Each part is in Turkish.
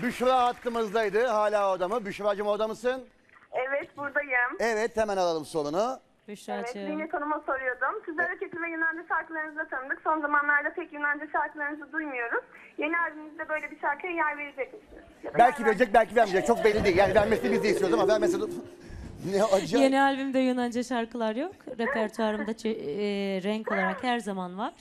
Büşra hattımızdaydı. Hala orada mı? Büşra'cığım orada mısın? Evet, buradayım. Evet, hemen alalım sorunu. Evet, Büşra'cığım. Zinet Hanım'a soruyordum. Siz hareketli ve Yunanca şarkılarınızla tanıdık. Son zamanlarda pek Yunanca şarkılarınızı duymuyoruz. Yeni albümünüzde böyle bir şarkıya yer verecek misiniz? Ya da Belki yer verecek, belki vermeyecek. Çok belli değil. Yani vermesini biz de istiyoruz ama vermese de... Ne acayip. Yeni albümde Yunanca şarkılar yok. Repertuarımda renk olarak her zaman var.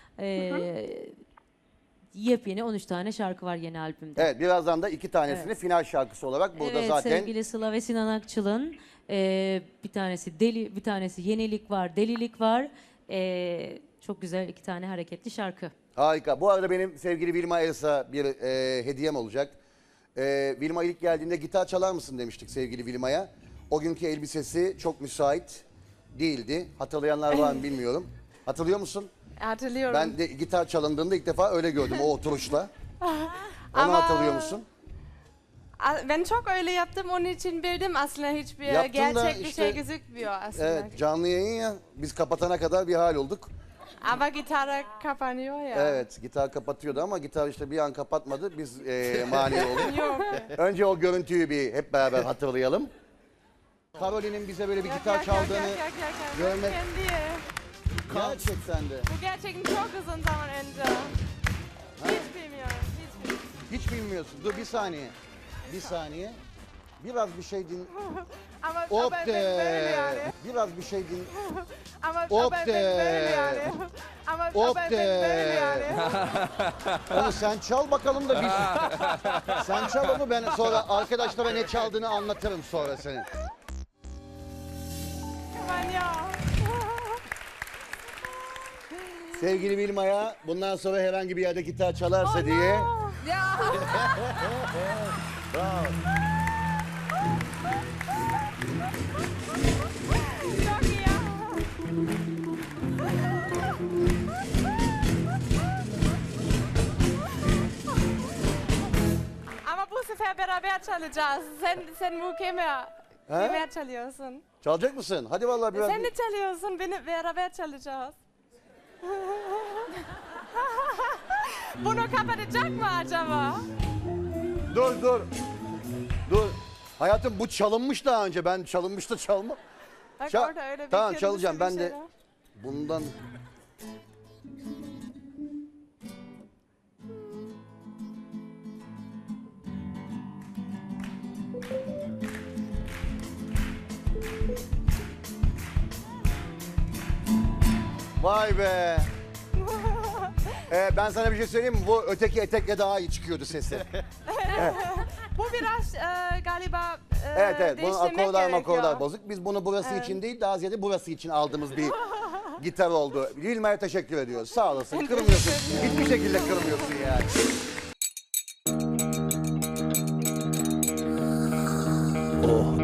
Yepyeni 13 tane şarkı var yeni albümde. Evet, birazdan da 2 tanesini final şarkısı olarak burada Evet, zaten... sevgili Sıla ve Sinan Akçıl'ın bir tanesi deli, bir tanesi yenilik var, delilik var. Çok güzel 2 tane hareketli şarkı. Harika. Bu arada benim sevgili Vilma Elsa bir hediyem olacak. Vilma ilk geldiğinde gitar çalar mısın demiştik sevgili Vilma'ya. O günkü elbisesi çok müsait değildi. Hatırlayanlar var mı bilmiyorum. Hatırlıyor musun? Hatırlıyorum. Ben de gitar çalındığında ilk defa öyle gördüm o oturuşla. Onu Ama- hatırlıyor musun? Ben çok öyle yaptım, onun için bildim aslında hiçbir Yaptın da gerçek bir işte- şey gözükmüyor aslında. Evet, canlı yayın ya. Biz kapatana kadar bir hal olduk. Ama gitara kapanıyor ya. Evet, gitar kapatıyordu ama gitar işte bir an kapatmadı. Biz mani olduk. Yok. Önce o görüntüyü bir hep beraber hatırlayalım. Karoline'in bize böyle bir gitar çaldığını görmek- Kendi. gerçekten de. Bu gerçekten çok uzun zaman önce. Hiç bilmiyorum. Hiç bilmiyorum. Hiç bilmiyorsun. Dur bir saniye. Bir saniye. Biraz bir şey din. Ama Hop ben böyle yani. Biraz bir şey din. Ama Hop ben böyle yani. Ama Hop ben böyle yani. Onu sen çal bakalım da biz. Sen çal onu, ben sonra arkadaşlara ne çaldığını anlatırım sonra senin. Aman ya. Sevgili Vilma'ya bundan sonra herhangi bir yerde gitar çalarsa diye. Ya. Bravo. Çok iyi ya. Ama bu sefer beraber çalacağız. Sen mükemmel. Beraber çalıyorsun. Çalacak mısın? Hadi vallahi biraz. Sen de çalıyorsun, beni beraber çalacağız. Bunu kapatacak mı acaba? Dur dur. Dur. Hayatım bu çalınmış daha önce. Ben çalınmış da çalma. Bak Çal- orada öyle bir Tamam, kırmızı çalacağım. bir Ben şey de- var. Bundan Vay be. Ben sana bir şey söyleyeyim mi? Bu öteki etekle daha iyi çıkıyordu sesi. Bu biraz galiba Evet evet. Bunun değiştirmek akorlar gerekiyor. bozuk. Biz bunu burası için değil, daha ziyade burası için aldığımız bir gitar oldu. Vilma'ya teşekkür ediyoruz. Sağ olasın. Kırmıyorsun. Hiçbir şekilde kırmıyorsun yani. Oh